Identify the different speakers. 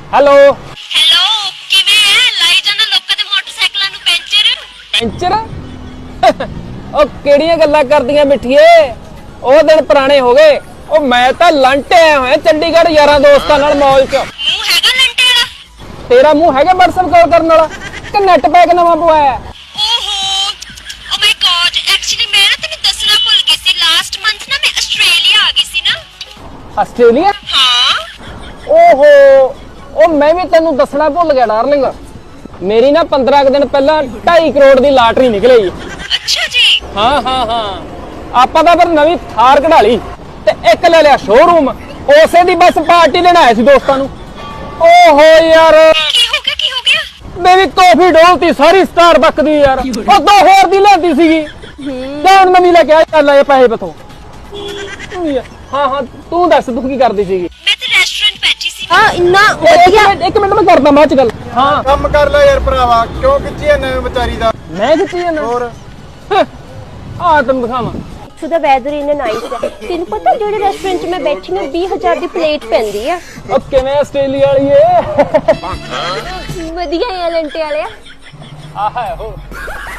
Speaker 1: Hello
Speaker 2: hello ਕਿਵੇਂ ਹੈ ਲਾਈ ਜਾਣਾ ਲੋਕਾਂ ਦੇ ਮੋਟਰਸਾਈਕਲਾਂ ਨੂੰ ਪੈਂਚਰ
Speaker 1: ਪੈਂਚਰ। ਉਹ ਕਿਹੜੀਆਂ ਗੱਲਾਂ ਕਰਦੀਆਂ ਮਿੱਠੀਏ, ਉਹ ਦਿਨ ਪੁਰਾਣੇ ਹੋ ਗਏ। ਉਹ ਮੈਂ ਤਾਂ ਲੰਟੇ ਆਇਆ ਹੋਇਆ ਚੰਡੀਗੜ੍ਹ ਯਾਰਾਂ ਦੋਸਤਾਂ ਨਾਲ ਮੌਲ 'ਚ।
Speaker 2: ਮੂੰਹ ਹੈਗਾ ਲੰਟੇ ਵਾਲਾ?
Speaker 1: ਤੇਰਾ ਮੂੰਹ ਹੈਗਾ WhatsApp ਕਾਲ ਕਰਨ ਵਾਲਾ ਕਿ ਨੈਟ ਪੈਕ ਨਵਾਂ ਪਵਾਇਆ?
Speaker 2: ਓਹੋ ਓ ਮਾਈ ਗॉड ਐਕਚੁਅਲੀ ਮੈਂ ਨਾ ਤੈਨੂੰ ਦੱਸਣਾ ਭੁੱਲ ਗਈ ਸੀ। ਲਾਸਟ ਮੰਥ ਨਾ ਮੈਂ ਆਸਟ੍ਰੇਲੀਆ ਆ ਗਈ ਸੀ ਨਾ।
Speaker 1: ਆਸਟ੍ਰੇਲੀਆ?
Speaker 2: ਹਾਂ
Speaker 1: ਓਹੋ, ਉਹ ਮੈਂ ਵੀ ਤੈਨੂੰ ਦੱਸਣਾ ਭੁੱਲ ਗਿਆ ਡਾਰਲਿੰਗ। ਮੇਰੀ ਨਾ 15 ਕੁ ਦਿਨ ਪਹਿਲਾਂ 2.5 ਕਰੋੜ ਦੀ ਲਾਟਰੀ ਨਿਕਲੀ।
Speaker 2: ਅੱਛਾ ਜੀ।
Speaker 1: ਹਾਂ ਆਪਾਂ ਤਾਂ ਫਿਰ ਨਵੀਂ ਥਾਰ ਕਢਾ ਲਈ ਤੇ ਇੱਕ ਲੈ ਲਿਆ ਸ਼ੋਰੂਮ। ਉਸੇ ਦੀ ਬਸ ਪਾਰਟੀ ਲੈਣ ਆਏ ਸੀ ਦੋਸਤਾਂ ਨੂੰ। ਓਹੋ ਯਾਰ
Speaker 2: ਕੀ ਹੋ ਗਿਆ?
Speaker 1: ਮੇਰੀ ਕਾਫੀ ਡੋਲਤੀ ਸਾਰੀ ਸਟਾਰਬਕ ਦੀ ਯਾਰ। ਉਹ 2 ਹੋਰ ਦੀ ਲੈਂਦੀ ਸੀਗੀ। ਹੁਣ ਨਵੀਂ ਲੈ ਕੇ ਆ ਚੱਲ ਇਹ ਪੈਸੇ ਬਥੋਂ। ਹਾਂ ਤੂੰ ਦੱਸ ਤੂੰ ਕੀ ਕਰਦੀ ਸੀਗੀ?
Speaker 2: ਮੈਂ ਤਾਂ ਰੈਸਟੋਰੈਂਟ ਬੈਠੀ ਸੀ।
Speaker 3: ਹਾਂ ਇੰਨਾ ਵਧੀਆ।
Speaker 1: ਇੱਕ ਮਿੰਟ ਮੈਂ ਕਰਦਾ ਬਾਅਦ ਚ ਗੱਲ। ਹਾਂ
Speaker 4: ਕੰਮ ਕਰ ਲੈ ਯਾਰ ਭਰਾਵਾ, ਕਿਉਂ ਖਿੱਚੀ ਐ ਵਿਚਾਰੀ ਦਾ?
Speaker 1: ਮੈਂ ਖਿੱਚੀ ਜਾਂਦਾ
Speaker 4: ਹੋਰ
Speaker 1: ਆ ਤੈਨੂੰ ਦਿਖਾਵਾਂ।
Speaker 3: ਇੱਥੋਂ ਦਾ ਵੈਦਰ ਇੰਨਾ ਨਾਈਸ ਹੈ। ਤੈਨੂੰ ਪਤਾ ਜਿਹੜੇ ਰੈਸਟੋਰੈਂਟ 'ਚ ਮੈਂ ਬੈਠੀ ਹਾਂ 20,000 ਦੀ ਪਲੇਟ ਪੈਂਦੀ ਆ।
Speaker 1: ਉਹ ਕਿਵੇਂ ਆਸਟ੍ਰੇਲੀਆ ਵਾਲੀ ਏ?
Speaker 3: ਵਧੀਆ ਹੈ ਲੰਟੇ ਵਾਲਿਆ।
Speaker 1: ਆਹ ਹੈ ਉਹ